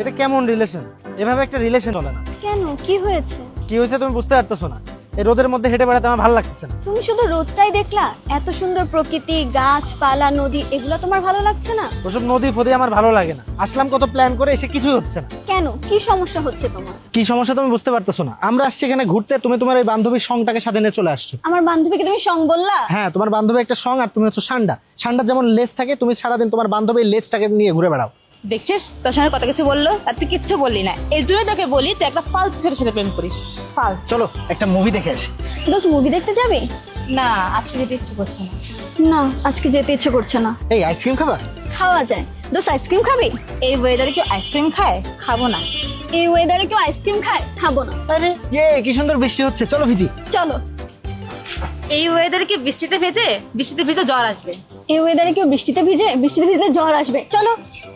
এটা কেমন রিলেশন? এভাবে একটা রিলেশন চলে না। কেন, কি হয়েছে? কি হয়েছে তুমি বুঝতে পারতেছো না? এই রোদের মধ্যে হেঁটে বেড়াতে আমার ভালো লাগতেছে না। তুমি শুধু রোদটাই দেখলা? এত সুন্দর প্রকৃতি, গাছপালা, নদী, এগুলো তোমার ভালো লাগছে না? ওসব নদী ফদী আমার ভালো লাগে না। আসলাম কত প্ল্যান করে, এসে কিছুই হচ্ছে না। কেন, কি সমস্যা হচ্ছে তোমার? কি সমস্যা তুমি বুঝতে পারতেছো না? আমরা আসছি এখানে ঘুরতে, তুমি তোমার এই বান্ধবীর সঙ্গটাকে সাথে নিয়ে চলে আসছো। আমার বান্ধবীকে তুমি সং বললা? হ্যাঁ, তোমার বান্ধবী একটা সং, আর তুমি হচ্ছে সান্ডা। সান্ডার যেমন লেজ থাকে, তুমি সারাদিন তোমার বান্ধবীর লেজটাকে নিয়ে ঘুরে বেড়াও। দেখছিস তোর সঙ্গে কত কিছু বললো, আর তুই কিচ্ছু বললি না। এর জন্যই তোকে বলি তুই একটা ফালতু ছেলের সাথে প্রেম করিস। ফাল চলো একটা মুভি দেখে আসি। দোস্ত, মুভি দেখতে যাবি? না, আজকে যেতে ইচ্ছে করছে না। না, আজকে যেতে ইচ্ছে করছে না। এই আইসক্রিম খাবা? খাওয়া যায়। দোস্ত, আইসক্রিম খাবি? এই ওয়েদারে কেউ আইসক্রিম খায়? খাবো না। এই ওয়েদারে কেউ আইসক্রিম খায়? খাবো না। আরে কি সুন্দর বৃষ্টি হচ্ছে, চলো ভিজি। চলো। এই ওয়েদারে কি বৃষ্টিতে ভিজে জ্বর আসবে? এই ওয়েদারে কেউ বৃষ্টিতে ভিজে জ্বর আসবে। চলো।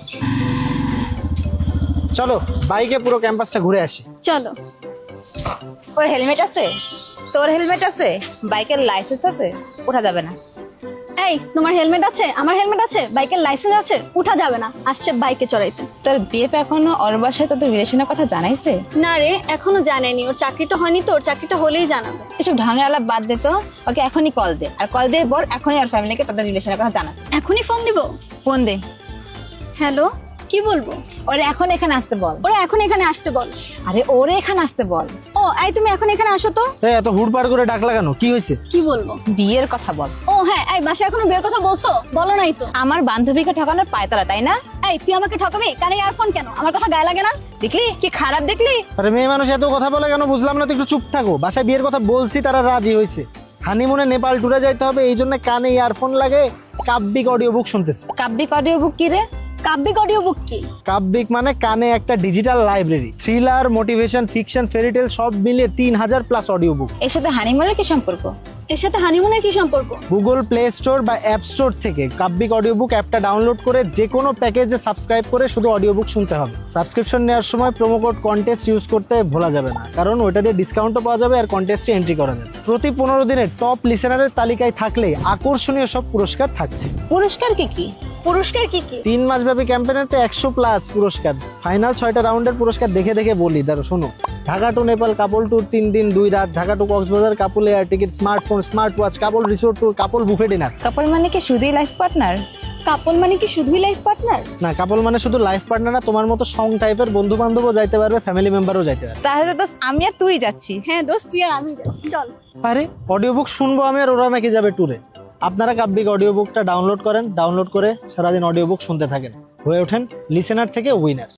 চলো বাইকে পুরো ক্যাম্পাসটা ঘুরে আসি। চলো। ওর হেলমেট আছে? তোর হেলমেট আছে? বাইকের লাইসেন্স আছে? ওঠা যাবে না। এই, তোমার হেলমেট আছে? আমার হেলমেট আছে, বাইকের লাইসেন্স আছে, উঠা যাবে না। আসছে বাইকে চড়াইতে। তোর বিয়ে এখনো ওর বাসায় তোদের রিলেশনের কথা জানাইছে? না রে, এখনো জানেনি। ওর চাকরিটা হয়নি তো, ওর চাকরিটা হলেই জানাবে। এসব ঢঙের আলাপ বাদ দে তো, ওকে এখনই কল দে, আর কল দিয়ে বল এখনই আর ফ্যামিলিকে তাদের রিলেশনের কথা জানাতে। এখনই ফোন দিব? ফোন দে। হ্যালো, কি বলবো? ওরে এখন এখানে আসতে বল। ওরা এখন এখানে আসতে বল। আরে ওরে এখানে আসতে বল। ও, এই তুমি এখন এখানে আসো তো। এত হুড়পাড় করে ডাক লাগানো, কি হয়েছে? কি বলবো? বিয়ের কথা বল। ও হ্যাঁ, এই বাসায় এখনো বিয়ের কথা বলছো? বলো নাই তো। আমার বান্ধবীকে ঠকানোর পায়তারা, তাই না? এই, তুই আমাকে ঠকাবি? কানে ইয়ারফোন কেন? আমার কথা গায়ে লাগে না? দেখলি কি খারাপ, দেখলি? আরে মেয়ে মানুষ এত কথা বলে কেন বুঝলাম না তো, একটু চুপ থাকো। বাসায় বিয়ের কথা বলছি, তারা রাজি হয়েছে। হানিমুনে নেপাল ট্যুরে যাইতে হবে, এই জন্য কানে ইয়ারফোন লাগে কাব্যিক অডিও বুক শুনতেছে। কাব্যিক অডিও বুক কি রে? কাব্যিক অডিও বুক কি? কাব্যিক মানে কানে একটা digital library. Thriller, motivation, fiction, fairy tale সব মিলিয়ে 3000+ অডিও বুক। এর সাথে হানিমুনের কি সম্পর্ক? এর সাথে হানিমুনের কি সম্পর্ক? গুগল প্লে স্টোর বা অ্যাপ স্টোর থেকে কাব্যিক অডিও বুক অ্যাপটা ডাউনলোড করে যে কোনো প্যাকেজে সাবস্ক্রাইব করে শুধু অডিও বুক শুনতে হবে। সাবস্ক্রিপশন নেওয়ার সময় প্রোমো কোড কন্টেস্ট ইউজ করতে ভোলা যাবে না, কারণ ওইটা দিয়ে ডিসকাউন্টও পাওয়া যাবে আর কন্টেস্টে এন্ট্রি করা যাবে। প্রতি 15 দিনে টপ লিসেনারের তালিকায় থাকলে আকর্ষণীয় সব পুরস্কার থাকছে। পুরস্কার কি কি? পুরস্কার কি কি? 3 মাসব্যাপী ক্যাম্পেইনেতে 100+ পুরস্কার। ফাইনাল 6টা রাউন্ডের পুরস্কার দেখে দেখে বলি, দাঁড়ো শোনো। Dhaka to Nepal couple tour 3 দিন 2 রাত, Dhaka to Cox's Bazar couple air ticket, smartphone, smart watch, couple resort tour, couple buffet dinner. Couple মানে কি শুধুই লাইফ পার্টনার? কাপল মানে কি শুধুই লাইফ পার্টনার? না, কাপল মানে শুধু লাইফ পার্টনার না, তোমার মতো সং টাইপের বন্ধু বান্ধবও যাইতে পারবে, ফ্যামিলি মেম্বারও যাইতে পারবে। তাহলে তো আমি আর তুই যাচ্ছি। হ্যাঁ দোস্ত, তুই আর আমি যাচ্ছি, চল। আরে অডিও বুক শুনবো আমি, আর ওরা নাকি যাবে ট্যুরে। আপনারা কাব্যিক অডিও বুকটা ডাউনলোড করেন, ডাউনলোড করে সারাদিন অডিও বুক শুনতে থাকেন, হয়ে ওঠেন লিসেনার থেকে উইনার।